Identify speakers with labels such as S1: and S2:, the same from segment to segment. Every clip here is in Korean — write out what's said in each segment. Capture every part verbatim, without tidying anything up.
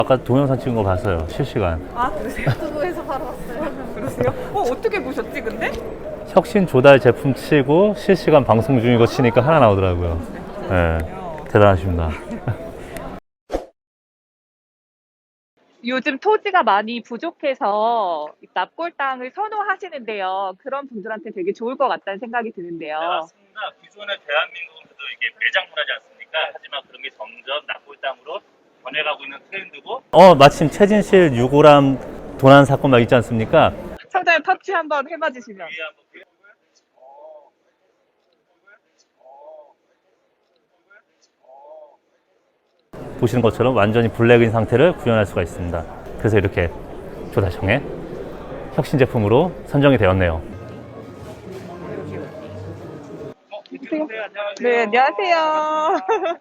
S1: 아까 동영상 찍은 거 봤어요. 실시간.
S2: 아, 그러세요?
S3: 유튜브에서 바로 왔어요.
S2: 그러세요? 어, 어떻게 보셨지, 근데?
S1: 혁신 조달 제품 치고 실시간 방송 중이고 치니까 하나 나오더라고요. 네, 대단하십니다.
S2: 요즘 토지가 많이 부족해서 납골 땅을 선호하시는데요. 그런 분들한테 되게 좋을 것 같다는 생각이 드는데요.
S4: 네, 맞습니다. 기존의 대한민국은 그래도 이게 매장 문화지 않습니까? 하지만 그런 게 점점 납골 땅으로 변해가고 있는 트렌드고.
S1: 어, 마침 최진실 유골함 도난 사건 막 있지 않습니까?
S2: 청자님 터치 한번 해봐 주시면.
S4: 위에 한번 보여요?
S1: 보시는 것처럼 완전히 블랙인 상태를 구현할 수가 있습니다. 그래서 이렇게 조달청의 혁신 제품으로 선정이 되었네요.
S4: 어, 안녕하세요. 안녕하세요.
S2: 네, 안녕하세요.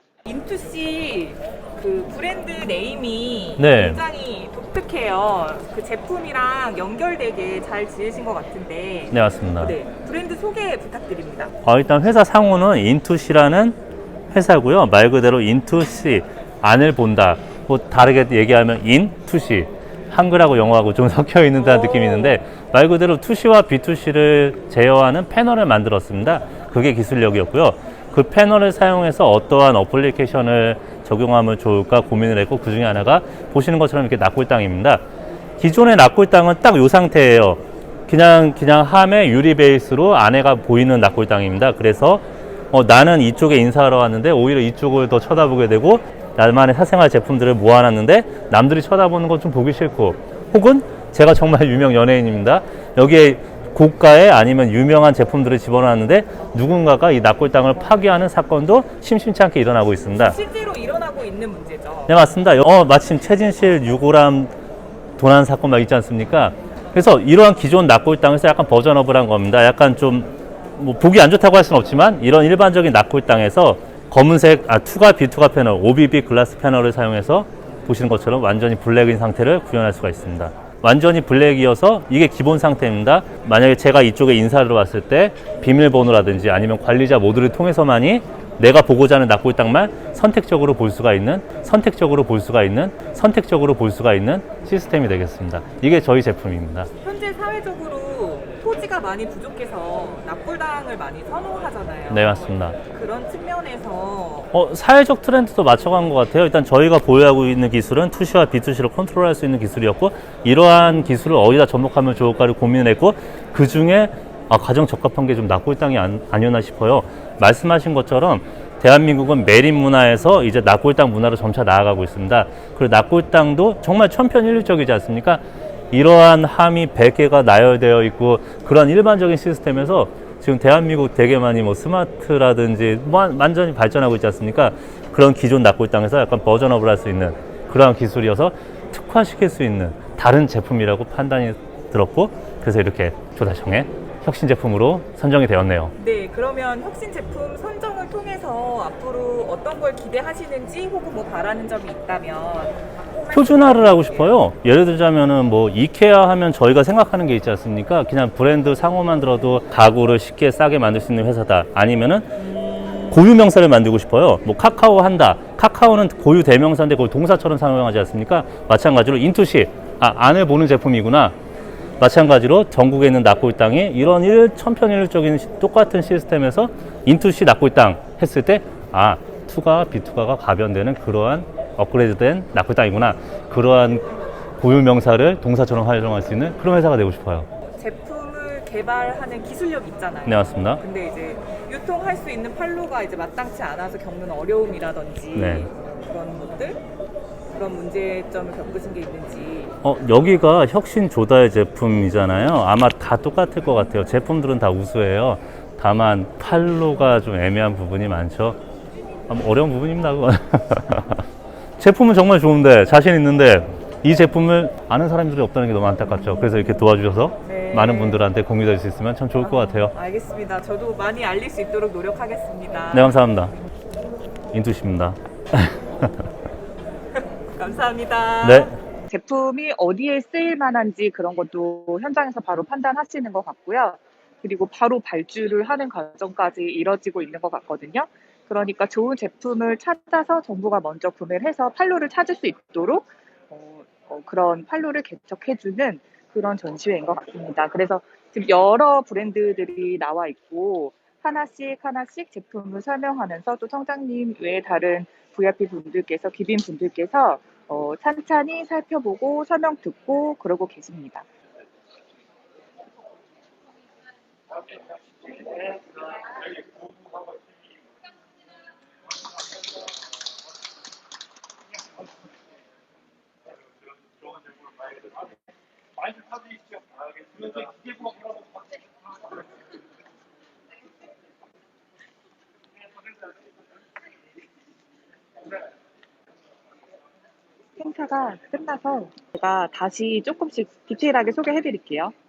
S2: 인투씨 그 브랜드 네임이
S1: 네.
S2: 굉장히 독특해요. 그 제품이랑 연결되게 잘 지으신 것 같은데.
S1: 네, 맞습니다.
S2: 네, 브랜드 소개 부탁드립니다.
S1: 어, 일단 회사 상호는 인투씨라는 회사고요. 말 그대로 인투씨, 안을 본다. 뭐 다르게 얘기하면 인투씨, 한글하고 영어하고 좀 섞여 있는 듯한 느낌이 있는데 말 그대로 투씨와 비투씨를 제어하는 패널을 만들었습니다. 그게 기술력이었고요. 그 패널을 사용해서 어떠한 어플리케이션을 적용하면 좋을까 고민을 했고, 그 중에 하나가 보시는 것처럼 이렇게 납골당입니다. 기존의 납골당은 딱 이 상태예요. 그냥 그냥 함의 유리 베이스로 안에가 보이는 납골당입니다. 그래서 어, 나는 이쪽에 인사하러 왔는데 오히려 이쪽을 더 쳐다보게 되고, 나만의 사생활 제품들을 모아놨는데 남들이 쳐다보는 건 좀 보기 싫고, 혹은 제가 정말 유명 연예인입니다. 여기에 고가의 아니면 유명한 제품들을 집어넣었는데 누군가가 이 납골당을 파괴하는 사건도 심심치 않게 일어나고 있습니다.
S2: 실제로 일어나고 있는 문제죠.
S1: 네, 맞습니다. 어, 마침 최진실 유골함 도난 사건 막 있지 않습니까? 그래서 이러한 기존 납골당에서 약간 버전업을 한 겁니다. 약간 좀 뭐 보기 안 좋다고 할 수는 없지만 이런 일반적인 납골당에서 검은색 아, 투가 비투가 패널, 오비비 글라스 패널을 사용해서 보시는 것처럼 완전히 블랙인 상태를 구현할 수가 있습니다. 완전히 블랙이어서 이게 기본 상태입니다. 만약에 제가 이쪽에 인사를 왔을 때 비밀번호라든지 아니면 관리자 모드를 통해서만이 내가 보고자 하는 납골당만 선택적으로 볼 수가 있는, 선택적으로 볼 수가 있는, 선택적으로 볼 수가 있는 시스템이 되겠습니다. 이게 저희 제품입니다.
S2: 현재 사회적으로 토지가 많이 부족해서 납골당을 많이 선호하잖아요.
S1: 네, 맞습니다.
S2: 그런 측면에서
S1: 어, 사회적 트렌드도 맞춰간 것 같아요. 일단 저희가 보유하고 있는 기술은 투씨와 비투씨를 컨트롤할 수 있는 기술이었고, 이러한 기술을 어디다 접목하면 좋을까를 고민했고, 그 중에 아, 가장 적합한 게 좀 납골당이 안, 아니었나 싶어요. 말씀하신 것처럼 대한민국은 매립 문화에서 이제 납골당 문화로 점차 나아가고 있습니다. 그리고 납골당도 정말 천편일률적이지 않습니까? 이러한 함이 백 개가 나열되어 있고, 그런 일반적인 시스템에서 지금 대한민국 되게 많이 뭐 스마트라든지 뭐 완전히 발전하고 있지 않습니까? 그런 기존 납골당에서 약간 버전업을 할 수 있는 그러한 기술이어서 특화시킬 수 있는 다른 제품이라고 판단이 들었고, 그래서 이렇게 조달청의 혁신 제품으로 선정이 되었네요.
S2: 네, 그러면 혁신 제품 선정을 통해서 앞으로 어떤 걸 기대하시는지 혹은 뭐 바라는 점이 있다면
S1: 표준화를 하고 싶어요. 예를 들자면은 뭐 이케아 하면 저희가 생각하는 게 있지 않습니까? 그냥 브랜드 상호만 들어도 가구를 쉽게 싸게 만들 수 있는 회사다. 아니면은 고유 명사를 만들고 싶어요. 뭐 카카오 한다. 카카오는 고유 대명사인데 그걸 동사처럼 사용하지 않습니까? 마찬가지로 인투시, 아, 안을 보는 제품이구나. 마찬가지로 전국에 있는 납골당이 이런 일 천편일률적인 시, 똑같은 시스템에서 인투씨 납골당 했을 때, 아, 투가 비투가가 가변되는 그러한 업그레이드된 납골당이구나. 그러한 고유 명사를 동사처럼 활용할 수 있는 그런 회사가 되고 싶어요.
S2: 제품을 개발하는 기술력이 있잖아요.
S1: 네, 맞습니다.
S2: 근데 이제 유통할 수 있는 판로가 이제 마땅치 않아서 겪는 어려움이라든지
S1: 네.
S2: 그런 것들, 그런 문제점을 겪으신 게 있는지.
S1: 어, 여기가 혁신 조달 제품이잖아요. 아마 다 똑같을 것 같아요. 제품들은 다 우수해요. 다만 판로가 좀 애매한 부분이 많죠. 아, 뭐 어려운 부분입니다, 그건. 제품은 정말 좋은데, 자신 있는데 이 제품을 아는 사람들이 없다는 게 너무 안타깝죠. 그래서 이렇게 도와주셔서
S2: 네.
S1: 많은 분들한테 공유될 수 있으면 참 좋을 것 같아요.
S2: 알겠습니다. 저도 많이 알릴 수 있도록 노력하겠습니다.
S1: 네, 감사합니다. 인투씨입니다.
S2: 감사합니다.
S1: 네.
S2: 제품이 어디에 쓰일 만한지 그런 것도 현장에서 바로 판단하시는 것 같고요. 그리고 바로 발주를 하는 과정까지 이뤄지고 있는 것 같거든요. 그러니까 좋은 제품을 찾아서 정부가 먼저 구매를 해서 판로를 찾을 수 있도록 어, 어, 그런 판로를 개척해주는 그런 전시회인 것 같습니다. 그래서 지금 여러 브랜드들이 나와 있고 하나씩 하나씩 제품을 설명하면서 또 청장님 외에 다른 브이아이피 분들께서 귀빈 분들께서 어, 찬찬히 살펴보고 설명 듣고 그러고 계십니다. 행사가 끝나서 제가 다시 조금씩 디테일하게 소개해 드릴게요.